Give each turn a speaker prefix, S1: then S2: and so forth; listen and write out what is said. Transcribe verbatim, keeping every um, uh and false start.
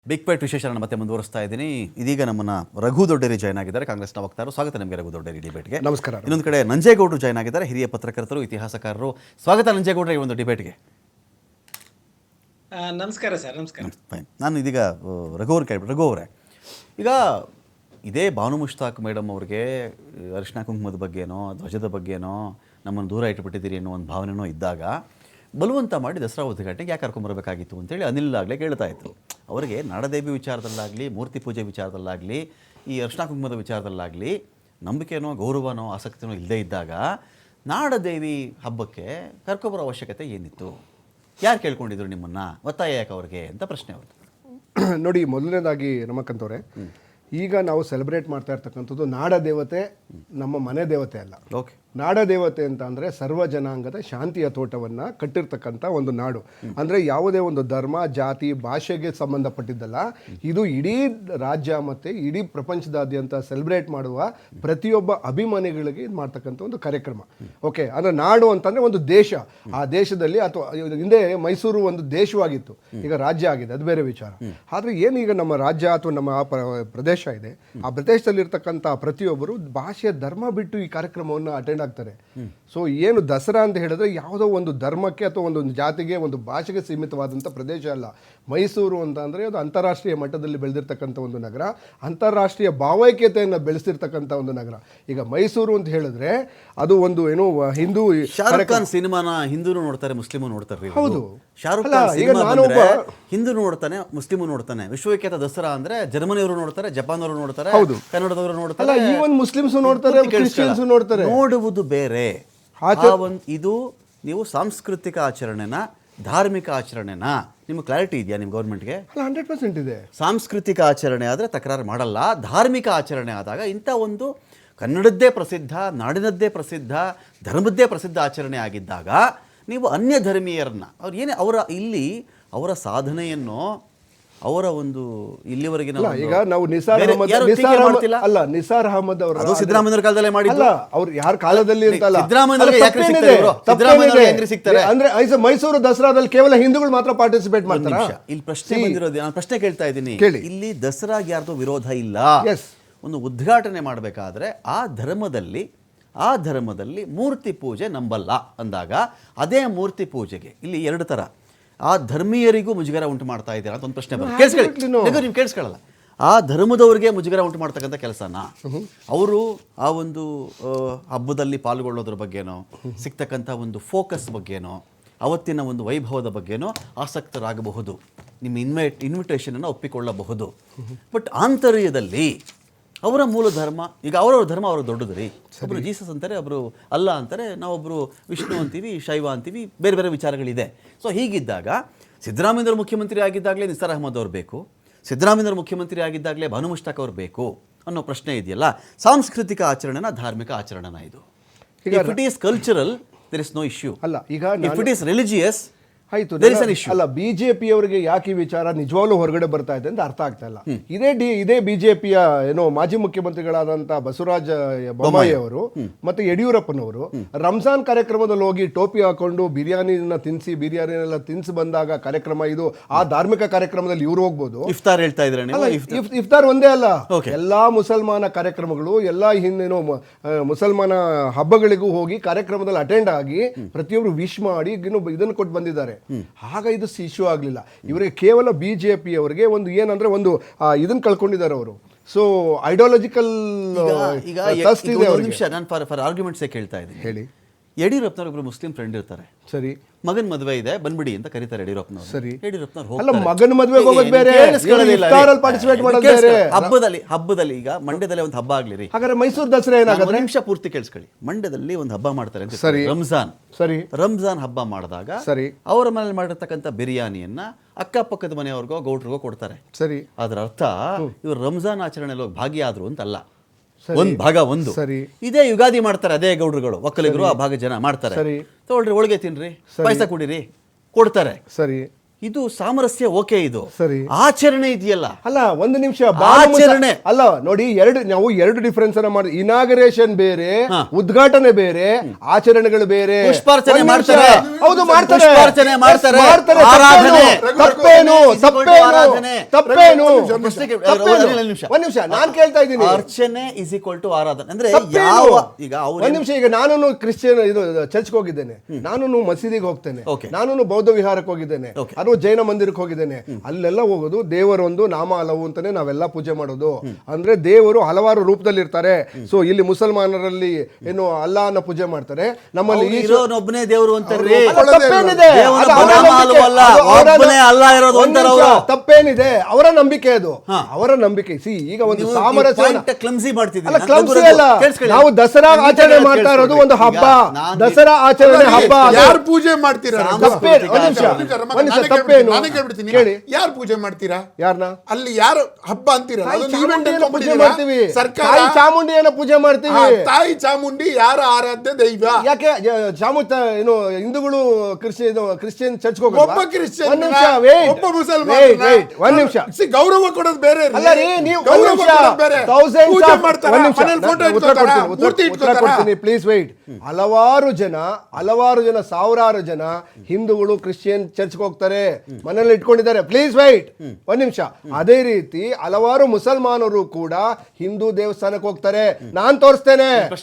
S1: Big fight ವಿಶೇಷನ ಮತ್ತೆ ಮುಂದುವರಿಸ್ತಾ ಇದ್ದೀನಿ. ಇದೀಗ ನಮ್ಮನ್ನ ರಘು ದೊಡ್ಡೇರಿ ಜಾಯ್ನ್ ಆಗಿದ್ದಾರೆ, ಕಾಂಗ್ರೆಸ್ನ ವಕ್ತಾರರು. ಸ್ವಾಗತ ನಿಮಗೆ ರಘು ದೊಡ್ಡೇರಿ ಡಿಬೇಟ್ಗೆ.
S2: ನಮಸ್ಕಾರ.
S1: ಇನ್ನೊಂದು ಕಡೆ ನಂಜೇಗೌಡರು ಜಾಯ್ನ್ ಆಗಿದ್ದಾರೆ, ಹಿರಿಯ ಪತ್ರಕರ್ತರು, ಇತಿಹಾಸಕಾರರು. ಸ್ವಾಗತ ನಂಜೇಗೌಡರ ಈ ಒಂದು ಡಿಬೇಟ್ಗೆ.
S3: ನಮಸ್ಕಾರ ಸರ್. ನಮಸ್ಕಾರ.
S1: ಫೈನ್. ನಾನು ಇದೀಗ ರಘು ಅವ್ರು ಕೇಳ್ಬಿಟ್ಟು, ರಘು ಅವರೇ, ಈಗ ಇದೇ ಬಾನು ಮುಷ್ತಾಕ್ ಮೇಡಮ್ ಅವ್ರಿಗೆ ಅರಿಶಿನ ಕುಂಕುಮದ ಬಗ್ಗೆನೋ ಧ್ವಜದ ಬಗ್ಗೆನೋ ನಮ್ಮನ್ನು ದೂರ ಇಟ್ಟುಬಿಟ್ಟಿದ್ದೀರಿ ಅನ್ನೋ ಒಂದು ಭಾವನೆನೋ ಇದ್ದಾಗ ಬಲವಂತ ಮಾಡಿ ದಸರಾ ಉದ್ಘಾಟನೆಗೆ ಯಾಕೆ ಕರ್ಕೊಂಬರ್ಬೇಕಾಗಿತ್ತು ಅಂತೇಳಿ ಅನಿಲ್ ಆಗಲೇ ಕೇಳ್ತಾ ಇತ್ತು. ಅವರಿಗೆ ನಾಡದೇವಿ ವಿಚಾರದಲ್ಲಾಗಲಿ, ಮೂರ್ತಿ ಪೂಜೆ ವಿಚಾರದಲ್ಲಾಗಲಿ, ಈ ಅರಿಶಿನ ಕುಂಕುಮದ ವಿಚಾರದಲ್ಲಾಗಲಿ ನಂಬಿಕೆನೋ ಗೌರವನೋ ಆಸಕ್ತಿನೋ ಇಲ್ಲದೇ ಇದ್ದಾಗ ನಾಡದೇವಿ ಹಬ್ಬಕ್ಕೆ ಕರ್ಕೊಬರೋ ಅವಶ್ಯಕತೆ ಏನಿತ್ತು? ಯಾರು ಕೇಳ್ಕೊಂಡಿದ್ರು ನಿಮ್ಮನ್ನು? ಒತ್ತಾಯ ಯಾಕೆ ಅವ್ರಿಗೆ ಅಂತ ಪ್ರಶ್ನೆ ಅವ್ರದ್ದು.
S2: ನೋಡಿ, ಮೊದಲನೇದಾಗಿ ರಮಕಂತವ್ರೆ, ಈಗ ನಾವು ಸೆಲೆಬ್ರೇಟ್ ಮಾಡ್ತಾ ಇರ್ತಕ್ಕಂಥದ್ದು ನಾಡ ದೇವತೆ, ನಮ್ಮ ಮನೆ ದೇವತೆ ಅಲ್ಲ.
S1: ಓಕೆ.
S2: ನಾಡ ದೇವತೆ ಅಂತ ಅಂದರೆ ಸರ್ವ ಜನಾಂಗದ ಶಾಂತಿಯ ತೋಟವನ್ನು ಕಟ್ಟಿರ್ತಕ್ಕಂಥ ಒಂದು ನಾಡು. ಅಂದರೆ ಯಾವುದೇ ಒಂದು ಧರ್ಮ, ಜಾತಿ, ಭಾಷೆಗೆ ಸಂಬಂಧಪಟ್ಟಿದ್ದಲ್ಲ. ಇದು ಇಡೀ ರಾಜ್ಯ ಮತ್ತು ಇಡೀ ಪ್ರಪಂಚದಾದ್ಯಂತ ಸೆಲೆಬ್ರೇಟ್ ಮಾಡುವ ಪ್ರತಿಯೊಬ್ಬ ಅಭಿಮಾನಿಗಳಿಗೆ ಇದು ಮಾಡ್ತಕ್ಕಂಥ ಒಂದು ಕಾರ್ಯಕ್ರಮ. ಓಕೆ. ಅಂದರೆ ನಾಡು ಅಂತಂದರೆ ಒಂದು ದೇಶ. ಆ ದೇಶದಲ್ಲಿ ಅಥವಾ ಹಿಂದೆ ಮೈಸೂರು ಒಂದು ದೇಶವಾಗಿತ್ತು, ಈಗ ರಾಜ್ಯ ಆಗಿದೆ, ಅದು ಬೇರೆ ವಿಚಾರ. ಆದರೆ ಏನೀಗ ನಮ್ಮ ರಾಜ್ಯ ಅಥವಾ ನಮ್ಮ ಪ್ರದೇಶ ಇದೆ, ಆ ಪ್ರದೇಶದಲ್ಲಿರ್ತಕ್ಕಂಥ ಪ್ರತಿಯೊಬ್ಬರು ಭಾಷೆಯ ಧರ್ಮ ಬಿಟ್ಟು ಈ ಕಾರ್ಯಕ್ರಮವನ್ನು ಅಟೆಂಡ್ ಆಗ್ತಾರೆ. ಸೊ ಏನು ದಸರಾ ಅಂತ ಹೇಳಿದ್ರೆ ಯಾವುದೋ ಒಂದು ಧರ್ಮಕ್ಕೆ ಅಥವಾ ಒಂದು ಜಾತಿಗೆ, ಒಂದು ಭಾಷೆಗೆ ಸೀಮಿತವಾದಂಥ ಪ್ರದೇಶ ಅಲ್ಲ. ಮೈಸೂರು ಅಂತ ಅಂದರೆ ಅದು ಅಂತಾರಾಷ್ಟ್ರೀಯ ಮಟ್ಟದಲ್ಲಿ ಬೆಳೆದಿರ್ತಕ್ಕಂಥ ಒಂದು ನಗರ, ಅಂತಾರಾಷ್ಟ್ರೀಯ ಭಾವೈಕ್ಯತೆಯನ್ನು ಬೆಳೆಸಿರ್ತಕ್ಕಂಥ ಒಂದು ನಗರ. ಈಗ ಮೈಸೂರು ಅಂತ ಹೇಳಿದ್ರೆ ಅದು ಒಂದು ಏನು ಹಿಂದೂ
S1: ಶಾರುಖ್ ಖಾನ್ ಸಿನಿಮಾನ ಹಿಂದೂ ನೋಡ್ತಾರೆ, ಮುಸ್ಲಿಮು ನೋಡ್ತಾರೆ.
S2: ಹೌದು.
S1: ಶಾರುಖ್ ಖಾನ್ ಈಗ ನಾನೊಬ್ಬ ಹಿಂದೂ ನೋಡ್ತಾನೆ, ಮುಸ್ಲಿಮು ನೋಡ್ತಾನೆ. ವಿಶ್ವವಿಖ್ಯಾತ ದಸರಾ ಅಂದ್ರೆ ಜರ್ಮನಿಯವರು ನೋಡ್ತಾರೆ, ಜಪಾನ್ ಅವರು ನೋಡ್ತಾರೆ, ಕನ್ನಡದವರು ನೋಡ್ತಾರೆ,
S2: ಈವನ್ ಮುಸ್ಲಿಮ್ಸ್ ನೋಡ್ತಾರೆ, ಕ್ರಿಶ್ಚಿಯನ್ಸ್ ನೋಡ್ತಾರೆ.
S1: ನೋಡುವುದು ಬೇರೆ. ಇದು ನೀವು ಸಾಂಸ್ಕೃತಿಕ ಆಚರಣೆನ, ಧಾರ್ಮಿಕ ಆಚರಣೆನ, ನಿಮ್ಗೆ ಕ್ಲಾರಿಟಿ ಇದೆಯಾ ನಿಮ್ಮ ಗೌರ್ಮೆಂಟ್ಗೆ?
S2: ಹಂಡ್ರೆಡ್ ಪರ್ಸೆಂಟ್ ಇದೆ.
S1: ಸಾಂಸ್ಕೃತಿಕ ಆಚರಣೆ ಆದರೆ ತಕರಾರು ಮಾಡಲ್ಲ. ಧಾರ್ಮಿಕ ಆಚರಣೆ ಆದಾಗ ಇಂಥ ಒಂದು ಕನ್ನಡದ್ದೇ ಪ್ರಸಿದ್ಧ, ನಾಡಿನದ್ದೇ ಪ್ರಸಿದ್ಧ, ಧರ್ಮದ್ದೇ ಪ್ರಸಿದ್ಧ ಆಚರಣೆ ಆಗಿದ್ದಾಗ ನೀವು ಅನ್ಯ ಧರ್ಮೀಯರನ್ನ ಅವ್ರು ಏನೇ ಅವರ ಇಲ್ಲಿ ಅವರ ಸಾಧನೆಯನ್ನು, ಅವರ ಒಂದು ಇಲ್ಲಿವರೆಗಿನ
S2: ಈಗ ನಾವು ನಿಸಾರ್ ಅಹಮದ್ ಅಲ್ಲ ನಿಸಾರ್ ಅಹಮದ್ ಅವರು
S1: ಅದು ಸಿದ್ದರಾಮಯ್ಯ ಕಾಲದಲ್ಲೇ ಮಾಡಿಲ್ಲ.
S2: ಅವ್ರು ಯಾರ ಕಾಲದಲ್ಲಿ ಅಂತಲ್ಲ,
S1: ಸಿಗ್ತಾರೆ
S2: ಅಂದ್ರೆ ಮೈಸೂರು ದಸರಾದಲ್ಲಿ ಕೇವಲ ಹಿಂದೂಗಳು ಮಾತ್ರ ಪಾರ್ಟಿಸಿಪೇಟ್ ಮಾಡ್ತಾರೆ.
S1: ಇಲ್ಲಿ ಪ್ರಶ್ನೆ ಬಂದಿರೋದು, ನಾನು ಪ್ರಶ್ನೆ ಕೇಳ್ತಾ ಇದ್ದೀನಿ. ಇಲ್ಲಿ ದಸರಾಗೆ ಯಾರ್ದು ವಿರೋಧ ಇಲ್ಲ. ಒಂದು ಉದ್ಘಾಟನೆ ಮಾಡಬೇಕಾದ್ರೆ ಆ ಧರ್ಮದಲ್ಲಿ ಆ ಧರ್ಮದಲ್ಲಿ ಮೂರ್ತಿ ಪೂಜೆ ನಂಬಲ್ಲ ಅಂದಾಗ ಅದೇ ಮೂರ್ತಿ ಪೂಜೆಗೆ ಇಲ್ಲಿ ಎರಡು ಥರ ಆ ಧರ್ಮೀಯರಿಗೂ ಮುಜುಗರ ಉಂಟು ಮಾಡ್ತಾ ಇದ್ದೀರಾ ಅಂತ ಒಂದು ಪ್ರಶ್ನೆ ಬರುತ್ತೆ. ಕೇಳಿಸ್ಕೊಳ್ಳಿ, ನೀವು ಕೇಳಿಸ್ಕೊಳ್ಳಲ್ಲ. ಆ ಧರ್ಮದವ್ರಿಗೆ ಮುಜುಗರ ಉಂಟು ಮಾಡ್ತಕ್ಕಂಥ ಕೆಲಸನ ಅವರು ಆ ಒಂದು ಹಬ್ಬದಲ್ಲಿ ಪಾಲ್ಗೊಳ್ಳೋದ್ರ ಬಗ್ಗೆನೋ, ಸಿಗ್ತಕ್ಕಂಥ ಒಂದು ಫೋಕಸ್ ಬಗ್ಗೆನೋ, ಅವತ್ತಿನ ಒಂದು ವೈಭವದ ಬಗ್ಗೆನೋ ಆಸಕ್ತರಾಗಬಹುದು, ನಿಮ್ಮ ಇನ್ವೈಟ್ ಇನ್ವಿಟೇಷನನ್ನು ಒಪ್ಪಿಕೊಳ್ಳಬಹುದು. ಬಟ್ ಆಂತರ್ಯದಲ್ಲಿ ಅವರ ಮೂಲ ಧರ್ಮ, ಈಗ ಅವರವ್ರ ಧರ್ಮ ಅವ್ರಿಗೆ ದೊಡ್ಡದು ರೀ. ಒಬ್ಬರು ಜೀಸಸ್ ಅಂತಾರೆ, ಒಬ್ಬರು ಅಲ್ಲ ಅಂತಾರೆ, ನಾವೊಬ್ಬರು ವಿಷ್ಣು ಅಂತೀವಿ, ಶೈವ ಅಂತೀವಿ, ಬೇರೆ ಬೇರೆ ವಿಚಾರಗಳಿದೆ. ಸೊ ಹೀಗಿದ್ದಾಗ ಸಿದ್ದರಾಮಯ್ಯವ್ರು ಮುಖ್ಯಮಂತ್ರಿ ಆಗಿದ್ದಾಗಲೇ ನಿಸಾರ್ ಅಹಮದ್ ಅವ್ರು ಬೇಕು, ಸಿದ್ದರಾಮಯ್ಯವ್ರು ಮುಖ್ಯಮಂತ್ರಿ ಆಗಿದ್ದಾಗಲೇ ಬಾನು ಮುಷ್ತಾಕ್ ಅವ್ರು ಬೇಕು ಅನ್ನೋ ಪ್ರಶ್ನೆ ಇದೆಯಲ್ಲ. ಸಾಂಸ್ಕೃತಿಕ ಆಚರಣೆನ, ಧಾರ್ಮಿಕ ಆಚರಣೆನ ಇದು? If it is cultural there is no issue.
S2: ಅಲ್ಲ, ಈಗ
S1: ಇಫ್ ಇಟ್ ಈಸ್ ರಿಲಿಜಿಯಸ್
S2: ಆಯ್ತು. ಅಲ್ಲ, ಬಿಜೆಪಿಯವರಿಗೆ ಯಾಕೆ ಈ ವಿಚಾರ ನಿಜವಾಗ್ಲೂ ಹೊರಗಡೆ ಬರ್ತಾ ಇದೆ ಅಂತ ಅರ್ಥ ಆಗ್ತಾ ಇಲ್ಲ. ಇದೇ ಡಿ ಇದೇ ಬಿಜೆಪಿಯ ಏನೋ ಮಾಜಿ ಮುಖ್ಯಮಂತ್ರಿಗಳಾದಂತಹ ಬಸವರಾಜ ಬೊಮ್ಮಾಯಿ ಅವರು ಮತ್ತೆ ಯಡಿಯೂರಪ್ಪನವರು ರಂಜಾನ್ ಕಾರ್ಯಕ್ರಮದಲ್ಲಿ ಹೋಗಿ ಟೋಪಿ ಹಾಕೊಂಡು ಬಿರಿಯಾನಿನ ತಿನ್ಸಿ ಬಿರಿಯಾನಿನೆಲ್ಲ ತಿನ್ಸಿ ಬಂದಾಗ ಕಾರ್ಯಕ್ರಮ ಇದು, ಆ ಧಾರ್ಮಿಕ ಕಾರ್ಯಕ್ರಮದಲ್ಲಿ ಇವ್ರು ಹೋಗ್ಬೋದು.
S1: ಇಫ್ತಾರ್ ಹೇಳ್ತಾ ಇದ್ರೆ
S2: ಇಫ್ತಾರ್ ಒಂದೇ ಅಲ್ಲ, ಎಲ್ಲಾ ಮುಸಲ್ಮಾನ ಕಾರ್ಯಕ್ರಮಗಳು, ಎಲ್ಲಾ ಹಿಂದೇನೋ ಮುಸಲ್ಮಾನ ಹಬ್ಬಗಳಿಗೂ ಹೋಗಿ ಕಾರ್ಯಕ್ರಮದಲ್ಲಿ ಅಟೆಂಡ್ ಆಗಿ ಪ್ರತಿಯೊಬ್ರು ವಿಶ್ ಮಾಡಿ ಇದನ್ನು ಕೊಟ್ಟು ಬಂದಿದ್ದಾರೆ. ಆಗ ಇದು ಇಶ್ಯೂ ಆಗಲಿಲ್ಲ. ಇವರಿಗೆ ಕೇವಲ ಬಿಜೆಪಿ ಅವರಿಗೆ ಒಂದು ಏನಂದ್ರೆ ಒಂದು ಇದನ್ನ ಕಳ್ಕೊಂಡಿದ್ದಾರೆ ಅವರು. ಸೊ ಐಡಿಯಾಲಜಿಕಲ್
S1: ನಿಮಿಷ ನಾನು ಫಾರ್ ಫಾರ್ ಆರ್ಗ್ಯುಮೆಂಟ್ಸೇ ಕೇಳ್ತಾ ಇದ್ದೀನಿ.
S2: ಹೇಳಿ.
S1: ಯಡಿಯೂರಪ್ಪನವ್ರು ಒಬ್ರು ಮುಸ್ಲಿಂ ಫ್ರೆಂಡ್ ಇರ್ತಾರೆ,
S2: ಸರಿ,
S1: ಮಗನ್ ಮದುವೆ ಇದೆ ಬಂದ್ಬಿಡಿ ಅಂತ ಕರೀತಾರೆ ಯಡಿಯೂರಪ್ಪನವರು.
S2: ಸರಿ,
S1: ಯಡಿಯೂರಪ್ಪನವ್ರು
S2: ಅಲ್ಲ, ಮಗನ ಮದುವೆಗೆ ಹೋಗೋದು ಬೇರೆ, ಪಾರ್ಟಿಸಿಪೇಟ್ ಮಾಡೋದು ಬೇರೆ.
S1: ಹಬ್ಬದಲ್ಲಿ ಹಬ್ಬದಲ್ಲಿ ಈಗ ಮಂಡ್ಯದಲ್ಲಿ ಒಂದು ಹಬ್ಬ ಆಗ್ಲಿ ರೀ, ಹಾಗಾದ್ರೆ
S2: ಮೈಸೂರು ದಸರಾ ಏನಾಗುತ್ತೆ?
S1: ನಿಮಿಷ ಪೂರ್ತಿ ಕೇಳಿಸ್ಕೊಳ್ಳಿ. ಮಂಡ್ಯದಲ್ಲಿ ಒಂದು ಹಬ್ಬ ಮಾಡ್ತಾರೆ ಅಂತ,
S2: ಸರಿ,
S1: ರಂಜಾನ್.
S2: ಸರಿ,
S1: ರಂಜಾನ್ ಹಬ್ಬ ಮಾಡಿದಾಗ
S2: ಸರಿ
S1: ಅವರ ಮನೇಲಿ ಮಾಡಿರ್ತಕ್ಕಂಥ ಬಿರಿಯಾನಿಯನ್ನ ಅಕ್ಕಪಕ್ಕದ ಮನೆಯವ್ರಿಗೋ ಗೌಡ್ರಿಗೋ ಕೊಡ್ತಾರೆ.
S2: ಸರಿ,
S1: ಅದರ ಅರ್ಥ ಇವರು ರಂಜಾನ್ ಆಚರಣೆಯಲ್ಲಿ ಹೋಗಿ ಭಾಗಿಯಾದ್ರು ಅಂತಲ್ಲ. ಒಂದ್ ಭಾಗ ಒಂದು.
S2: ಸರಿ,
S1: ಇದೇ ಯುಗಾದಿ ಮಾಡ್ತಾರೆ ಅದೇ ಗೌಡ್ರುಗಳು, ಒಕ್ಕಲಿಗರು ಆ ಭಾಗ ಜನ ಮಾಡ್ತಾರೆ.
S2: ಸರಿ,
S1: ತಗೊಳ್ರಿ, ಹೋಳಿಗೆ ತಿನ್ರಿ, ಪಾಯಸ ಕುಡಿರಿ, ಕೊಡ್ತಾರೆ.
S2: ಸರಿ,
S1: ಇದು ಸಾಮರಸ್ಯ ಓಕೆ, ಇದು
S2: ಸರಿ.
S1: ಆಚರಣೆ ಇದೆಯಲ್ಲ,
S2: ಅಲ್ಲ ಒಂದು ನಿಮಿಷ
S1: ಆಚರಣೆ.
S2: ಅಲ್ಲ ನೋಡಿ, ಎರಡು ನಾವು ಎರಡು ಡಿಫರೆನ್ಸ್ ಅನ್ನ ಮಾಡಿ, ಇನಾಗರೇಷನ್ ಬೇರೆ, ಉದ್ಘಾಟನೆ ಬೇರೆ, ಆಚರಣೆಗಳು ಬೇರೆ.
S1: ಪುಷ್ಪಾರ್ಚನೆ
S2: ಒಂದ್ ನಿಮಿಷ.
S1: ಮಾಡ್ತಾರೆ.
S2: ಹೌದು ಮಾಡ್ತಾರೆ,
S1: ಪುಷ್ಪಾರ್ಚನೆ ಮಾಡ್ತಾರೆ.
S2: Yes, ಮಾಡ್ತಾರೆ.
S1: ಆರಾಧನೆ.
S2: ತಪ್ಪೇನು ತಪ್ಪೇನು
S1: ಆರಾಧನೆ.
S2: ತಪ್ಪೇನು
S1: ಪ್ರಶ್ನೆಗೆ-
S2: ತಪ್ಪೇನು?
S1: ಒಂದ್ ನಿಮಿಷ.
S2: ಒಂದ್ ನಿಮಿಷ ನಾನು ಕೇಳ್ತಾ ಇದ್ದೀನಿ.
S1: ಅರ್ಚನೆ ಇಸ್ ಈಕ್ವಲ್ ಟು ಆರಾಧನೆ ಅಂದ್ರೆ
S2: ತಪ್ಪೇನು?
S1: ಯಾವ ಈಗ ಅವ್ರು
S2: ಒಂದ್ ನಿಮಿಷ, ಈಗ ನಾನು ಕ್ರಿಶ್ಚಿಯನ್ ಇದು ಚರ್ಚ್ಗೆ ಹೋಗಿದ್ದೇನೆ, ನಾನು ಮಸೀದಿಗೆ ಹೋಗ್ತೇನೆ,
S1: Okay.
S2: ನಾನು ಬೌದ್ಧ ವಿಹಾರಕ್ಕೆ ಹೋಗಿದ್ದೇನೆ,
S1: Okay.
S2: ಅದು ಜೈನ ಮಂದಿರಕ್ಕೆ ಹೋಗಿದ್ದೇನೆ. ಅಲ್ಲೆಲ್ಲ ಹೋಗೋದು ದೇವರೊಂದು ನಾಮ ಹಲವು ಅಂತಾನೆ ನಾವೆಲ್ಲ ಪೂಜೆ ಮಾಡೋದು. ಅಂದ್ರೆ ದೇವರು ಹಲವಾರು ರೂಪದಲ್ಲಿ ಇರ್ತಾರೆ. ಸೊ ಇಲ್ಲಿ ಮುಸಲ್ಮಾನರಲ್ಲಿ ಏನು ಅಲ್ಲಾಹನ ಪೂಜೆ ಮಾಡ್ತಾರೆ, ನಮ್ಮಲ್ಲಿ
S1: ಅವ್ರು
S2: ಈಶ್ವರ-
S1: ಇರೋನೊಬ್ಬನೇ ದೇವರು ಅಂತಾರ್ರಿ.
S2: ಅಲ್ಲ, ತಪ್ಪೇನಿದೆ?
S1: ದೇವನ
S2: ಅದು ಅವರ
S1: ಬನಾಮ
S2: ನಂಬಿಕೆ.
S1: ಅಲ್ವಲ್ಲ,
S2: ಅದು ಅವರ
S1: ಒಬ್ಬನೇ ಅಲ್ಲ ಇರೋದು
S2: ಒಂದ್
S1: ಅಂತಾರೆ
S2: ನಿಮಿಷ,
S1: ಅವರು.
S2: ತಪ್ಪೇನಿದೆ? ಅವರ ನಂಬಿಕೆ ಅದು, ಅವರ ನಂಬಿಕೆ. ಸಿ ಈಗ ಒಂದು
S1: ನೀವು
S2: ಸಾಮರಸ್ಯ
S1: ಕ್ಲಮ್ಸಿ ಮಾಡ್ತಿದ್ದೀರಿ.
S2: ಅಲ್ಲ,
S1: ನಾನು
S2: ಕ್ಲಬ್ಸ್
S1: ರಘು-
S2: ಅಲ್ಲ.
S1: ಕೇಳಿಸ್ಕೊಳ್ಳಿ.
S2: ನಾವು ದಸರಾ
S1: ನಾನು
S2: ಆಚರಣೆ
S1: ಕೇಳಿಸ್ಕೊಳ್ಳಿ.
S2: ಮಾಡ್ತಾ ಇರೋದು ಒಂದು ಹಬ್ಬ.
S1: ಈಗ ನಾನು-
S2: ದಸರಾ ಆಚರಣೆ ಹಬ್ಬ ಅದು.
S3: ಯಾರು ಪೂಜೆ ಮಾಡ್ತೀರಾ?
S2: ತಪ್ಪೇ- ಒಂದ್ ನಿಮಿಷ, ಒಂದ್ ನಿಮಿಷ, ತಪ್ಪೇನು?
S3: ನಾನೇ ಕೇಳ್ಬಿಡ್ತೀನಿ,
S2: ಕೇಳಿ.
S3: ಯಾರು ಪೂಜೆ ಮಾಡ್ತೀರಾ?
S2: ಯಾರನ್ನ?
S3: ಅಲ್ಲಿ ಯಾರು ಹಬ್ಬ ಅಂತೀರಾ?
S2: ತಾಯಿ
S3: ಅದೊಂದು event
S2: ಚಾಮುಂಡಿಯನ್ನ
S3: ಅಂತ
S2: ಪೂಜೆ
S3: ಬಿಟ್ಟಿದ್ದೀರಾ?
S2: ಮಾಡ್ತೀವಿ.
S3: ಸರ್ಕಾರ
S2: ತಾಯಿ ಚಾಮುಂಡಿಯನ್ನ ಪೂಜೆ ಮಾಡ್ತೀವಿ.
S3: ಆ, ತಾಯಿ ಚಾಮುಂಡಿ ಯಾರ ಆರಾಧ್ಯ ದೈವ?
S2: ಯಾಕೆ ಚಾಮುಂಡ ಏನು ಹಿಂದೂಗಳು ಕ್ರಿಶ್ಚಿಯನ್ ಕ್ರಿಶ್ಚಿಯನ್ ಚರ್ಚ್ ಹೋಗೋದು?
S3: ಒಬ್ಬ ಕ್ರಿಶ್ಚಿಯನ್,
S2: ಒಂದ್ ನಿಮಿಷ, wait.
S3: ಒಬ್ಬ ಮುಸಲ್ಮಾನ,
S2: Wait, wait. ಒಂದ್ ನಿಮಿಷ.
S3: ಗೌರವ ಕೊಡೋದು ಬೇರೆ ರೀ.
S2: ಅಲ್ಲ ರೀ, ನೀವು ಒಂದ್
S3: ಗೌರವ
S2: ನಿಮಿಷ.
S3: ಕೊಡೋದು ಬೇರೆ.
S2: Thousands
S3: ಪೂಜೆ
S2: of-
S3: ಮಾಡ್ತಾರಾ?
S2: ಒಂದ್ ನಿಮಿಷ.
S3: ಮನೇಲಿ photo
S2: ನಾನು ಉತ್ತರ
S3: ಇಟ್ಕೊತಾರಾ?
S2: ಕೊಡ್ತೀನಿ, ಉತ್ತರ-
S3: ಮೂರ್ತಿ
S2: ಉತ್ತರ
S3: ಇಟ್ಕೊತಾರಾ?
S2: ಕೊಡ್ತೀನಿ, ಪ್ಲೀಸ್ ವೈಟ್. ಹಲವಾರು ಜನ ಹಲವಾರು ಜನ ಸಾವಿರಾರು ಜನ ಹಿಂದೂಗಳು ಕ್ರಿಶ್ಚಿಯನ್ ಚರ್ಚ್ಗೆ ಹೋಗ್ತಾರೆ, ಮನೇಲಿ ಇಟ್ಕೊಂಡಿದ್ದಾರೆ. ಪ್ಲೀಸ್ ವೈಟ್ ಒಂದ್ ನಿಮಿಷ. ಅದೇ ರೀತಿ ಹಲವಾರು ಮುಸಲ್ಮಾನರು ಕೂಡ ಹಿಂದೂ ದೇವಸ್ಥಾನಕ್ಕೆ ಹೋಗ್ತಾರೆ. ನಾನ್ ತೋರಿಸ್ತೇನೆ.